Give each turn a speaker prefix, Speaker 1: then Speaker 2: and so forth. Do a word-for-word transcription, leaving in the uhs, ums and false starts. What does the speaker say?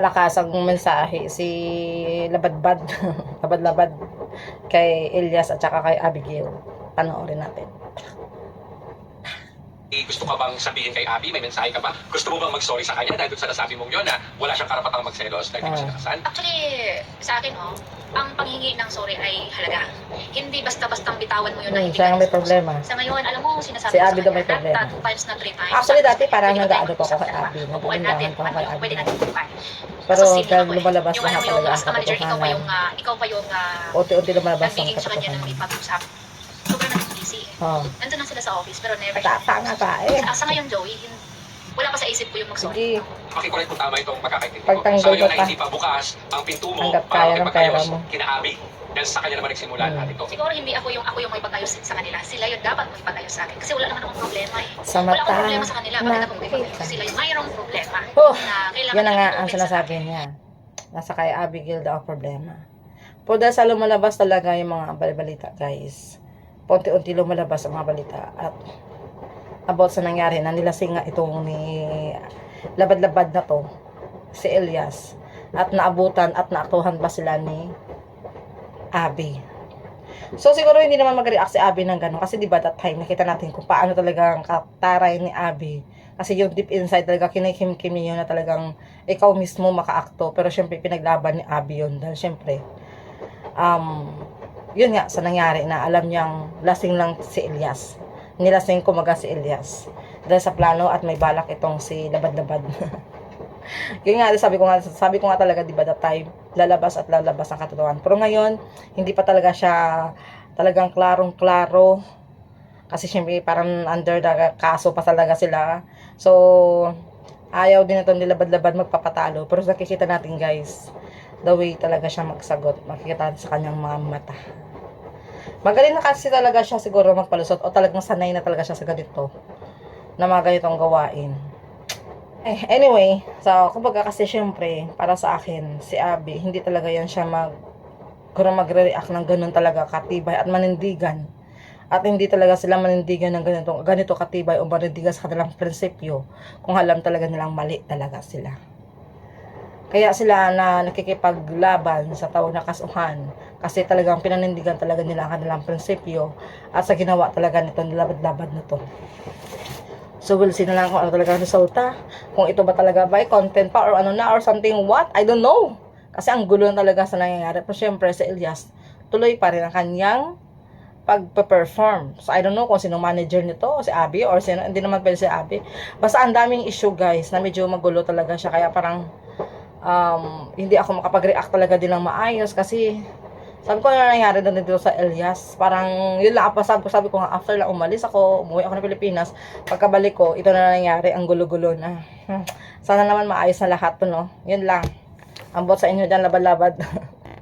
Speaker 1: malakasang mensahe si Labadbad, Labad-labad kay Elias at saka kay Abigail. Panoorin natin.
Speaker 2: Gusto ka bang sabihin kay Abby? May mensahe ka ba? Gusto mo bang mag-sorry sa kanya dahil doon sa nasabi mong yun na wala siyang karapatang magselos dahil di mo
Speaker 1: Ah.
Speaker 2: siya nakasal?
Speaker 3: Actually, sa akin, oh, ang panghingi ng sorry ay halaga. Hindi basta-bastang bitawan mo yun na
Speaker 1: Hmm,
Speaker 3: hindi
Speaker 1: siya
Speaker 3: ka
Speaker 1: ang may
Speaker 3: gusto.
Speaker 1: problema.
Speaker 3: Sa ngayon, alam mo, sinasabi
Speaker 1: Si
Speaker 3: ko sa
Speaker 1: Abby daw
Speaker 3: kanya,
Speaker 1: may problema.
Speaker 3: na two times na three times.
Speaker 1: Actually, dati parang
Speaker 3: Pwede
Speaker 1: nag-aano
Speaker 3: tayo
Speaker 1: pa ako kay
Speaker 3: mag-usap,
Speaker 1: Abby.
Speaker 3: dalawa. Upuan
Speaker 1: Nagpupuntahan
Speaker 3: natin,
Speaker 1: pa ako kay
Speaker 3: ano,
Speaker 1: Abby.
Speaker 3: pwede natin upuan.
Speaker 1: Pero
Speaker 3: Kasi
Speaker 1: dahil
Speaker 3: ako eh.
Speaker 1: lumalabas
Speaker 3: Yung
Speaker 1: lahat
Speaker 3: ano, yung
Speaker 1: talaga ang
Speaker 3: as a manager, ikaw pa yung,
Speaker 1: katotohanan.
Speaker 3: ah, ikaw pa yung, ah,
Speaker 1: Unti-unti lumalabas ang
Speaker 3: nagbigay sa kanya ng
Speaker 1: katotohanan.
Speaker 3: ipag-usap. Sobrang naging busy.
Speaker 1: Oh.
Speaker 3: Nandun lang sila sa office, pero never
Speaker 1: At tanga pa eh.
Speaker 3: Sa, sa ngayon, Joey, hin- wala pa sa isip ko yung mag-sorry.
Speaker 1: Sige.
Speaker 2: Pakicorrect kung tama itong pagkakaintindi ko.
Speaker 1: Pagtanggol
Speaker 2: Sa ngayon
Speaker 1: ka
Speaker 2: na
Speaker 1: pa.
Speaker 2: hindi pa bukas ang pinto mo
Speaker 1: Hanggat
Speaker 2: para
Speaker 1: kaya ng pera
Speaker 2: makipag-ayos
Speaker 1: mo.
Speaker 2: kina Abby. Dahil sa kanya naman nagsimula
Speaker 1: Hmm.
Speaker 2: lahat ito.
Speaker 3: Siguro hindi ako yung ako yung may pag-ayos sa kanila. Sila yung dapat may pag-ayos sa akin. Kasi wala naman akong problema eh.
Speaker 1: Sa
Speaker 3: Wala
Speaker 1: mata
Speaker 3: akong problema sa kanila. Bakit ako may
Speaker 1: nakita.
Speaker 3: pag-ayos? Sila yung mayroong problema.
Speaker 1: Oh,
Speaker 3: na kailangan
Speaker 1: yan na nga
Speaker 3: i-open
Speaker 1: ang
Speaker 3: sa
Speaker 1: sinasabi
Speaker 3: akin.
Speaker 1: niya. Nasa kay Abigail daw ang problema. Po dahil sa lumalabas talaga yung mga balita, guys. Punti-unti lumalabas ang mga balita. At about sa nangyari na nilasing nga itong ni Labad-labad na to, si Elias. At naabutan at naaktuhan pa sila ni Abby. So siguro hindi naman mag-react si Abby ng gano'n. Kasi diba that time nakita natin kung paano talaga ang kataray ni Abby. Kasi yung deep inside talaga kinikim-kim niya yun na talagang ikaw mismo makaakto. Pero syempre pinaglaban ni Abby yun. Dahil syempre, um, yun nga sa nangyari na alam niyang lasing lang si Elias. Nilasing kumaga si Elias. Dahil sa plano at may balak itong si Labad-labad. Yun nga, sabi ko nga, sabi ko nga talaga, di ba, that time, lalabas at lalabas ang katotohanan. Pero ngayon, hindi pa talaga siya talagang klarong-klaro. Kasi syempre, parang under the kaso pa talaga sila. So, ayaw din itong nilabad-labad magpapatalo. Pero nakikita natin, guys, the way talaga siya magsagot. Makikita natin sa kanyang mga mata. Magaling na kasi talaga siya siguro magpalusot o talagang sanay na talaga siya sa ganito. Na mga ganitong gawain. Eh, anyway, so, kumbaga kasi syempre, para sa akin, si Abby, hindi talaga yan siya mag, kung magre-react ng ganun talaga katibay at manindigan. At hindi talaga sila manindigan ng ganito, ganito katibay o manindigan sa kanilang prinsipyo kung alam talaga nilang mali talaga sila. Kaya sila na nakikipaglaban sa tao na kasuhan kasi talagang pinanindigan talaga nila ang kanilang prinsipyo at sa ginawa talaga nito nilabad-labad na to. So we'll see na lang kung ano talaga ang resulta. Kung ito ba talaga ba content pa or ano na or something what? I don't know. Kasi ang gulo na talaga sa nangyayari. Pero syempre si Elias tuloy pa rin ang kanyang pag-perform. So I don't know kung sinong manager nito, si Abby or sino, hindi naman pwede si Abby. Basta ang daming issue guys na medyo magulo talaga siya. Kaya parang um, hindi ako makapag-react talaga din ng maayos kasi sabi ko na nangyari doon dito sa Elias. Parang yun lang. Sabi ko, sabi ko nga, after lang umalis ako, umuwi ako ng Pilipinas. Pagkabalik ko, ito na nangyari. Ang gulo-gulo na. Sana naman maayos na lahat to, no? Yun lang. Ambot sa inyo dyan, labad-labad.